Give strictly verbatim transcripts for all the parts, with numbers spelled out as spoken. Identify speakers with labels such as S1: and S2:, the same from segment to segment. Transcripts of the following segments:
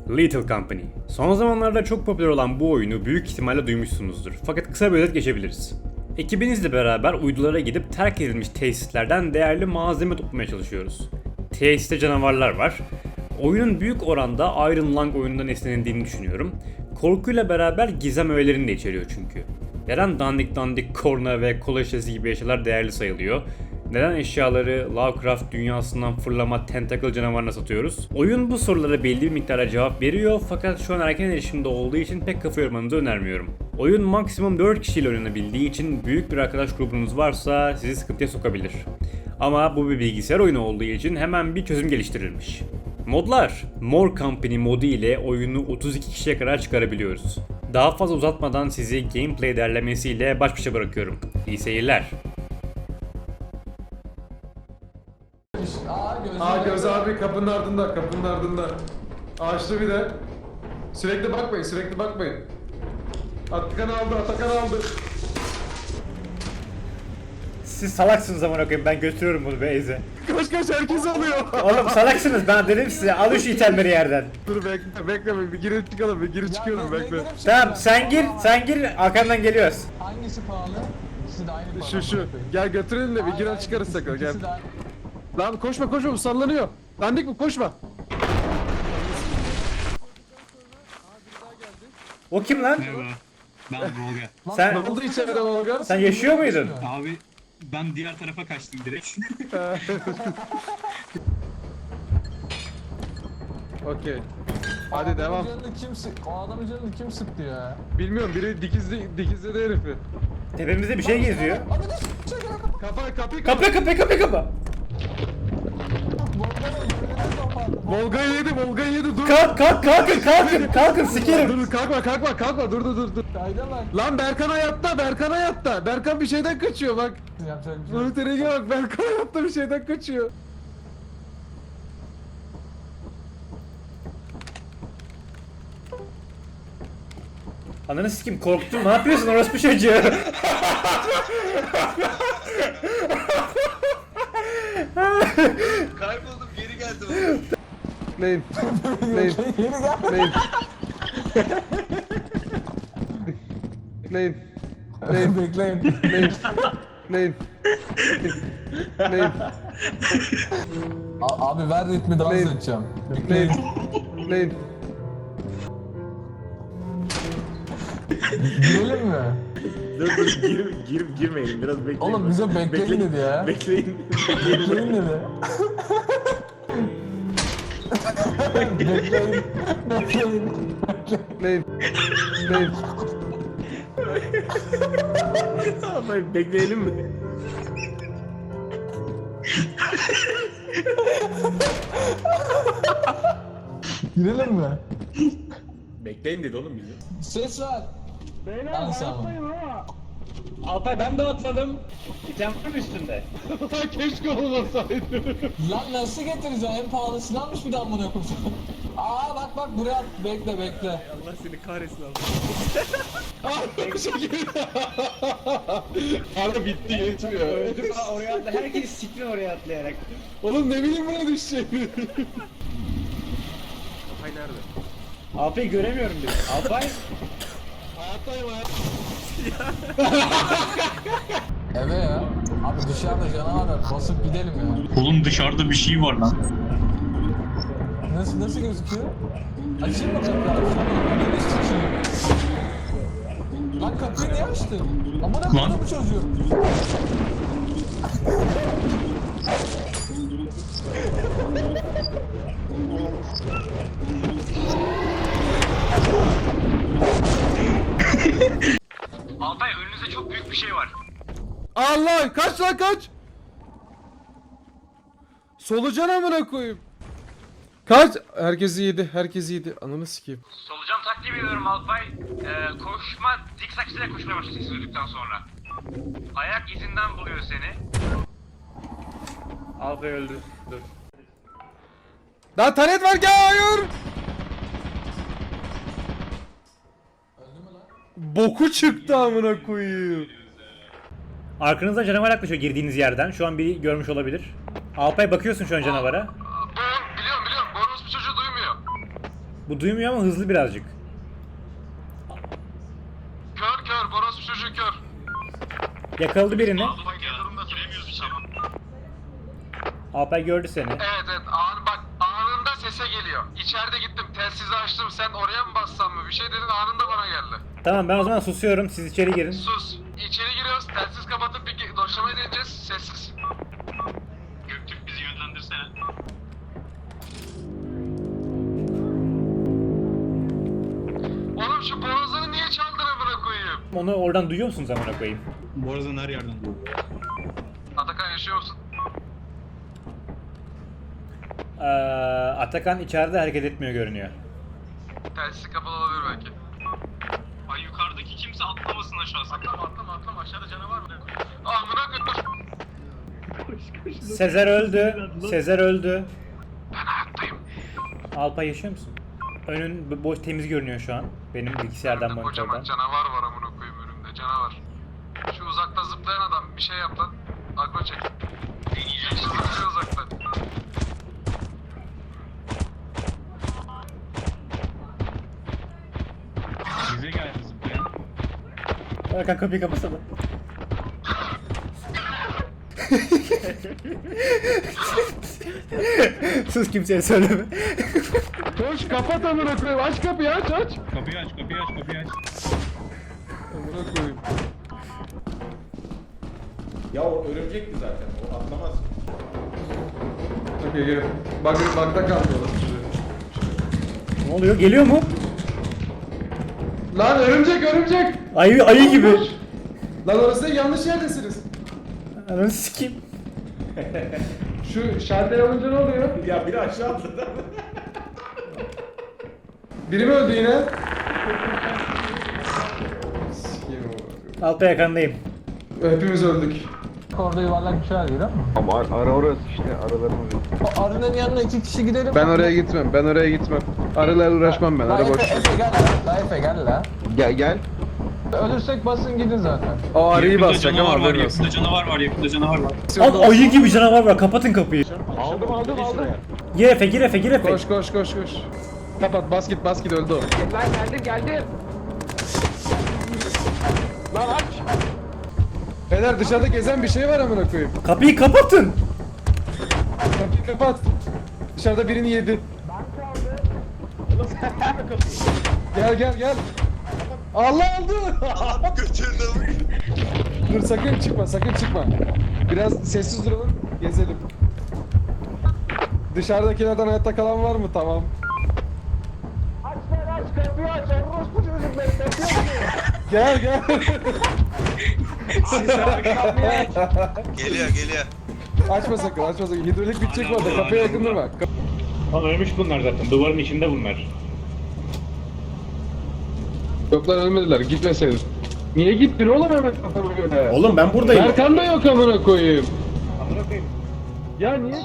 S1: Lethal Company. Son zamanlarda çok popüler olan bu oyunu büyük ihtimalle duymuşsunuzdur. Fakat kısa bir özet geçebiliriz. Ekibinizle beraber uydulara gidip terk edilmiş tesislerden değerli malzeme toplamaya çalışıyoruz. Tesiste canavarlar var. Oyunun büyük oranda Iron Lung oyunundan esinlendiğini düşünüyorum. Korkuyla beraber gizem öğelerini de içeriyor çünkü. Neden dandik dandik korna ve kola şişesi gibi eşyalar değerli sayılıyor? Neden eşyaları Lovecraft dünyasından fırlama tentacle canavarına satıyoruz? Oyun bu sorulara belli bir miktara cevap veriyor fakat şu an erken erişimde olduğu için pek kafa yormanızı önermiyorum. Oyun maksimum dört kişiyle oynanabildiği için büyük bir arkadaş grubunuz varsa sizi sıkıntıya sokabilir. Ama bu bir bilgisayar oyunu olduğu için hemen bir çözüm geliştirilmiş. Modlar. More Company modu ile oyunu otuz iki kişiye kadar çıkarabiliyoruz. Daha fazla uzatmadan sizi gameplay derlemesiyle baş başa bırakıyorum. İyi seyirler.
S2: Aa Göz,
S3: Aa Göz abi kapının ardında, kapının ardında. Ağaçlı bir de. Sürekli bakmayın, sürekli bakmayın. Atakan aldı, Atakan aldı.
S1: Siz salaksınız amına koyayım, ben götürüyorum bunu Beyze.
S3: Koş koş herkes alıyor.
S1: Oğlum salaksınız, ben dedim size alın şu itelleri yerden.
S3: Dur bekle, bekle bir girip çıkalım, bir girip çıkıyorum bekle.
S1: Tamam sen gir, sen gir arkandan geliyoruz.
S2: Hangisi pahalı? İkisi de aynı pahalı.
S3: Şu şu, gel götürelim de bir
S2: Hayır,
S3: girer
S2: hayır,
S3: çıkarız
S2: ikisi-
S3: sakın gel.
S2: ikisi de aynı.
S3: Lan koşma koşma bu sallanıyor. Dandik mi koşma.
S1: O kim lan?
S4: Merhaba. Ben Volga.
S1: Sen
S3: Ne oldu içeride Volga?
S1: sen yaşıyor muydun?
S4: Abi ben diğer tarafa kaçtım direkt.
S3: Okey. Hadi
S2: Adamın
S3: devam.
S2: canını kim sık? O adamın canını kim sıktı ya?
S3: Bilmiyorum biri dikizli dikizledi herifi.
S1: Tepemizde bir şey geziyor.
S2: Abi de çekil.
S3: Kapa kapıyı
S1: Kapı kapı kapı kapı.
S3: Volga'yı yedi, Volga'yı yedi dur.
S1: Kalk kalk kalkın kalkın kalkın sikerim.
S3: Dur kalkma kalkma kalkma dur dur dur dur.
S2: Kayda bak.
S3: Lan Berkan hayatta, Berkan hayatta. Berkan bir şeyden kaçıyor bak.
S2: Yapacak bir şey yok.
S3: Monitörüne bak, Berkan hayatta bir şeyden kaçıyor.
S1: Ananı sikim korktum, ne yapıyorsun orospu çocuğu?
S5: Kayboldum geri geldim.
S3: Neyin? Neyin?
S2: Yeni gel.
S3: Neyin? Neyin? Neyin?
S2: Bekleyin.
S3: Neyin? Neyin? Neyin?
S2: A- abi ver ritmi dans
S3: Neyin?
S2: edeceğim.
S3: Neyin?
S2: Bekleyin.
S3: Neyin?
S2: Girelim mi?
S5: Dur dur gir, gir, girmeyin biraz bekleyin.
S2: Oğlum bize bekleyin dedi ya.
S5: Bekleyin.
S2: Bekleyin dedi. Bekleyin. Bekleyin.
S3: Neyin? Neyin?
S5: Tamam bekleyelim mi?
S2: Girelim mi?
S5: Bekleyin dedi oğlum bizi.
S2: Ses ver. Beyler
S1: Alpay ben de atladım. İtem var mı üstünde?
S3: Keşke olmasaydı.
S2: Lan nasıl getireceğim? En pahalı silahmış bir daha amına koyayım. Aa bak bak buraya at. Bekle bekle.
S5: Allah seni kahretsin abi.
S3: Ara bitti yetmiyor.
S1: Öldüm ha, oraya atla. Herkes siktin oraya atlayarak.
S3: Oğlum ne bileyim buna düşeceğini.
S5: Hay nerede?
S1: Alpay'ı göremiyorum bile. Alpay.
S3: Hayattayım hayat.
S2: Eve ya. Abi dışarıda canavar var. Basıp gidelim ya.
S4: Oğlum dışarıda bir şey var lan.
S2: Nasıl nasıl gözüküyor? Açayım mı kapıyı? Ananı sikeyim. Lan kapıyı niye açtın? Amına koyayım bu çocuğu.
S1: Alpay önünüzde çok büyük bir şey var.
S3: Allah kaç lan kaç. Solucan amına koyayım. Kaç? Herkesi yedi, herkesi yedi. Ananı sikeyim.
S1: Solucan taktiği veriyorum Alpay. Ee, koşma, zikzak ile koşmaya başlıyorsun sesi duyduktan sonra. Ayak izinden buluyor seni. Alpay öldü. Dur.
S3: Daha taret var ki hayır. Boku çıktı amına koyayım.
S1: Arkanızda canavar yaklaşıyor girdiğiniz yerden. Şu an biri görmüş olabilir. Alpay bakıyorsun şu an canavara.
S3: Biliyorum biliyorum. Bonus bir çocuğu duymuyor.
S1: Bu duymuyor ama hızlı birazcık.
S3: Kör kör, Boros çocuğu kör.
S1: Yakaladı birini.
S3: Bak ya, durumda giremiyoruz içeri.
S1: Alper gördü seni.
S3: Evet evet, an, bak anında sese geliyor. İçeride gittim, telsizi açtım, sen oraya mı bassan mı? Bir şey dedin, anında bana geldi.
S1: Tamam ben o zaman susuyorum. Siz içeri girin.
S3: Sus. İçeri giriyoruz, telsiz kapatıp bir doşlamayı deneyeceğiz, sessiz.
S4: Göktürk bizi yönlendirsene.
S3: Oğlum şu borazanı niye çaldın amına koyayım?
S1: Onu oradan duyuyor musunuz amına koyayım?
S4: Bu arada her yerden bu.
S3: Atakan yaşıyor musun?
S1: Ee, Atakan içeride hareket etmiyor görünüyor.
S3: Telsiz kapalı olabilir belki.
S4: Ay yukarıdaki kimse atlamasın aşağı sakın.
S3: Atlama atlama atlama, aşağıda canavar mı? Amına koyayım.
S1: Sezer öldü. Sezer öldü.
S3: Ben hayattayım.
S1: Alpay yaşıyor musun? Önün b- boş temiz görünüyor şu an. Benim bilgisayardan
S3: Önümde kocaman
S1: monitörden.
S3: canavar var amına koyayım, önümde canavar. Şu uzakta zıplayan adam bir şey yap lan. Agro çek. Deneyeceğim şimdi zıplıyor uzaktan.
S4: Bize geldi zıplayan.
S1: Hakan kapıyı kapasana. Sus kimseye söyleme.
S3: Koş kapat amına koyayım, aç kapıyı, aç aç.
S4: Kapıyı aç kapıyı aç kapıyı aç.
S3: Amına koyayım.
S5: Ya o örümcekti zaten. O atlamaz.
S3: Okey gel. Bak bakta kalmıyorlar.
S1: Ne oluyor? Geliyor mu?
S3: Lan örümcek örümcek.
S1: Ayı ayı gibi.
S3: Lan orası yanlış yerdesiniz.
S1: Ananı sikeyim.
S3: Şu şalter alınca ne oluyor?
S5: Ya biri aşağı atladı.
S3: Biri mi öldü yine? Sikeyim oğlum.
S1: Alpay yakandayım.
S3: Hepimiz öldük.
S2: Orada yuvarlak bir şey var görüyor musun?
S6: Ama ar- ara orası işte aralarımız yok.
S2: O arının yanına iki kişi gidelim.
S3: Ben oraya gitmem, ben oraya gitmem. Arılarla uğraşmam ben,
S2: La
S3: ara
S2: Efe,
S3: boş.
S2: Efe gel la. La Efe gel la.
S6: Gel gel.
S2: Ölürsek basın gidin zaten.
S3: O arıyı
S4: Yakında
S3: basacak ama
S4: canavar var,
S3: haberin olsun.
S4: yakında canavar var, yakında canavar var.
S1: Al ayı gibi canavar var. Kapatın kapıyı.
S6: Aldım aldım aldım.
S1: Gir Efe gir Efe gir Efe.
S3: Koş koş koş koş. Kapat, bas git, bas git, öldü o.
S6: Lan geldim geldim. Lan aç.
S3: Beyler dışarıda gezen bir şey var amına koyayım.
S1: Kapıyı kapatın.
S3: Kapıyı kapat. Dışarıda birini yedi. Gel gel gel. Allah aldı.
S6: Götürdüm.
S3: Dur sakın çıkma, sakın çıkma. Biraz sessiz duralım, gezelim. Dışarıdakilerden hayatta kalan var mı? Tamam.
S2: Aç lan aç kapıyı aç. Orospu çocuk bekliyor.
S3: Gel gel.
S7: Geliyor geliyor.
S3: Açma sakın, açma sakın. Hidrolik bitecek bu arada. Kapıya yakın durma. Kap-
S1: Lan ölmüş bunlar zaten. Duvarın içinde bunlar.
S3: Yok lan ölmediler, gitmeseydin. Niye gittin oğlum hemen kafama göre?
S1: Oğlum ben buradayım.
S3: Serkan da yok amına koyayım.
S1: Amına koyayım.
S3: Ya niye?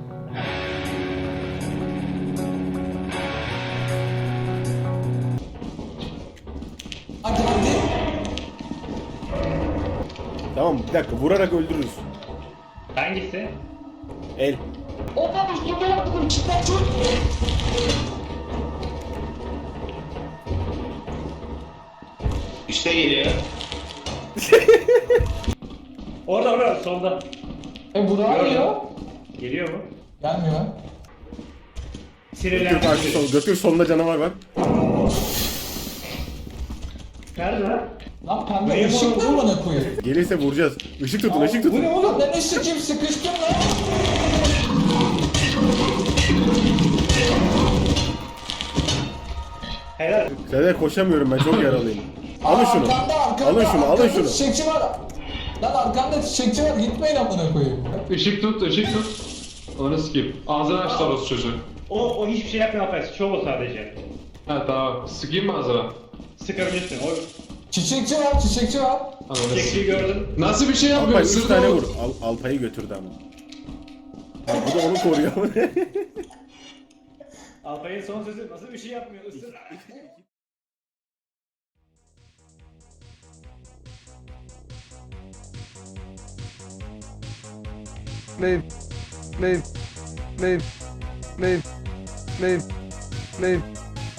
S2: Hadi hadi.
S5: Tamam bir dakika vurarak öldürürüz.
S1: Hangisi?
S5: El.
S2: Opa üstüme yaptım çıkar çok.
S7: İşte geliyor.
S1: Orada orada solda.
S2: E Burak arıyor.
S1: Geliyor mu?
S2: Gelmiyor.
S5: Götür
S1: Sinirlendim.
S5: karşı sol. Götür solunda canavar var.
S1: Nerede lan?
S2: Lan pembe ışık mı bana koyuyor?
S5: Gelirse vuracağız. Işık tutun ışık tutun.
S2: Oğlum ben ışık kim sıkıştım lan.
S1: Helal.
S5: Seder koşamıyorum ben çok yaralıyım. Alın
S2: Aa,
S5: şunu.
S2: Arkanda, arkanda,
S5: Alın şunu alın
S2: arkanda
S5: şunu.
S2: Çiçekçi var. Lan arkanda çiçekçi var gitmeyin amına koyayım.
S3: Işık tut, ışık tut. Onu sikeyim. Ağzını aç orası çocuğu.
S1: O, o hiçbir şey yapmıyor Alper. Şov o sadece.
S3: Ha tamam. Sıkayım mı ağzına?
S1: Sıkabilirsin. O
S2: Çiçekçi var, çiçekçi var.
S1: çektiği gördüm.
S3: Nasıl bir şey
S5: Alpay
S3: yapmıyor?
S5: üç
S3: Sırtı
S5: tane
S3: vur.
S5: vur. Al, Alpay'ı götürdü ama. Ya, bu da onu koruyor.
S1: Alpay'ın son sözü nasıl bir şey yapmıyor? Isır.
S3: Neyim? Neyim? Neyim? Neyim? Neyim? Neyim?